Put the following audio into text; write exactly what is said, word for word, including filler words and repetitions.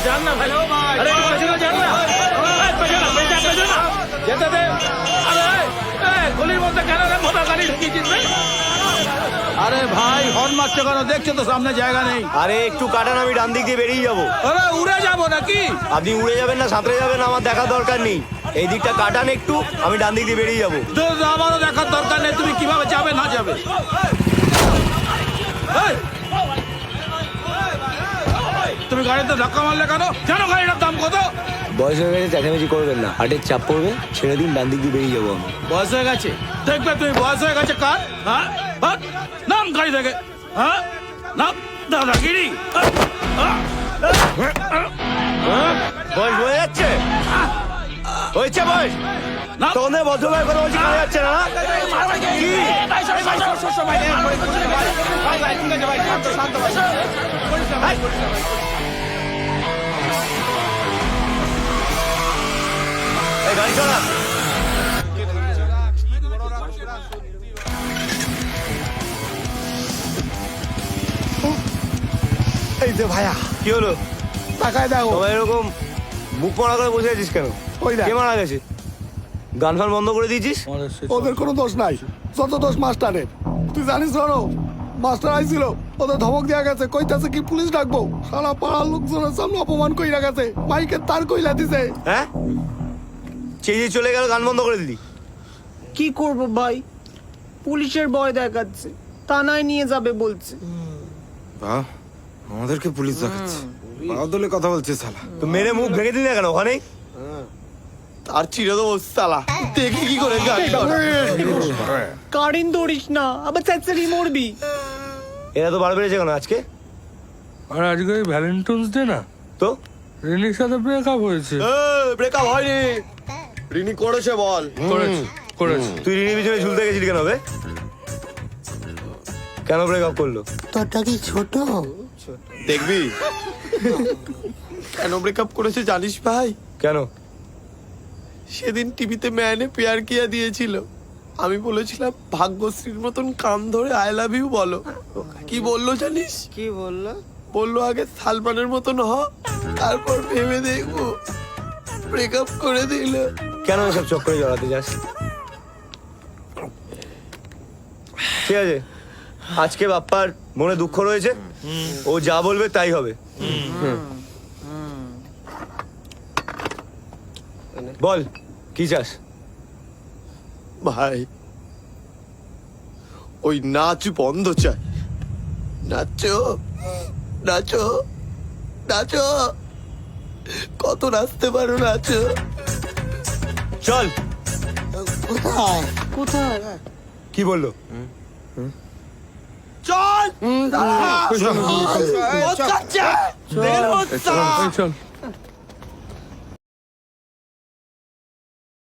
जान ना भाई अरे पेছনে যান না পেছনে পেছনে পেছনে যেতে দে আরে এই গলির মধ্যে কেন রে মোটা গাড়ি ঢুকিয়েছিস রে আরে ভাই হর্ন মারছো কেন দেখছো তো সামনে জায়গা নেই আরে একটু কাটান, আমি ডান দিক দিয়ে বেরিয়ে যাবো। আরে উড়ে যাবো নাকি আপনি উড়ে যাবেন না সাঁতরে যাবেন আমার দেখার দরকার নেই। এই দিকটা কাটান একটু, আমি ডান দিক দিয়ে বেরিয়ে যাবো। তো আমারও দেখার দরকার নেই তুমি কিভাবে যাবে না যাবে এই! তুমি গাড়িতে ধাক্কা মারলে কেন জানো গাড়িটার দাম কত বয়স হয়ে গেছে, চেঁচামেচি করবেন না। হাটের চাপ পড়বে, ছেড়ে দিন, ডান দিক দিয়ে বেরিয়ে যাবো আমি। বয়স হয়ে গেছে দেখবে তুমি বয়স হয়ে গেছে কার হ্যাঁ হাট! নাম গাড়ি থেকে হ্যাঁ নাম দাদাগিরি বয়স হয়ে যাচ্ছে, হয়েছে বয়স। তোমাদের ভদ্রভাবে কথা বলছি, কানে যাচ্ছে না? কি? এই গাড়ি চালা। এই যে ভাইয়া কি হলো? তাকায় দেখো সবাই এরকম বুক মারা করে বসে আছিস কেন? ওই দেখ। কে মারা গেছে? গান ফান বন্ধ করে দিয়েছিস? ওদের কোনো দোষ নাই, যত দোষ মাস্টারের। তুই জানিস রনো, মাস্টার আইছিল, ওদের ধমক দেওয়া গেছে, কইতাছে কি পুলিশ ডাকবো। সারা পাড়ার লোকজনের সামনে অপমান কইরা গেছে, মাইকে তার কইলা দিছে। হ্যাঁ, চেয়ে চলে গেল, গান বন্ধ করে দিলি। কি করব ভাই, পুলিশের ভয় দেখাচ্ছে, থানায় নিয়ে যাবে বলছে। বাহ, আমাদেরকে পুলিশ দেখাচ্ছে, বাদলে কথা বলছে শালা। তো মেরে মুখ ভেঙে দিলি না কেন ওখানেই? আর চিরে দেবো সালা, দেখি কি করে গাড়ি কারেন্ট ধরিস না, আবার চেঁচারি মরবি। এরা তো বার বেড়েছে কেন আজকে? আর আজকে ভ্যালেন্টাইন্স ডে না, তো রিনির সাথে ব্রেকআপ হয়েছে। ব্রেকআপ হয়নি, রিনি করেছে বল। করেছে করেছে তুই রিনির পিছনে ঝুলতে গেছিলি কেন বে? কেন ব্রেকআপ করলো? তোরটা কি ছোট? দেখবি কেন ব্রেকআপ করেছে জানিস ভাই? কেন? সেদিন টিভিতে ম্যানে পেয়ার কিয়া দিয়েছিল, আমি বলেছিলাম ভাগ্যশ্রীর মতন কান ধরে আই লাভ ইউ বলো। কি বললো জানিস? কি বললো? বললো আগে সালমানের মতন হ, তারপর ভেবে দেখবো। ব্রেকআপ করে দিল। কেন এসব চক্করে জড়াতে যাস? ঠিক আছে, আজকে বাপ্পার মনে দুঃখ রয়েছে, ও যা বলবে তাই হবে। বল কি চাস? ভাই ওই নাচ বন্ধ চাই, নাচো নাচো নাচো, কত নাচতে পারো নাচো। চল। কোথায়? কোথায়? কি বললো? চল চল চল চল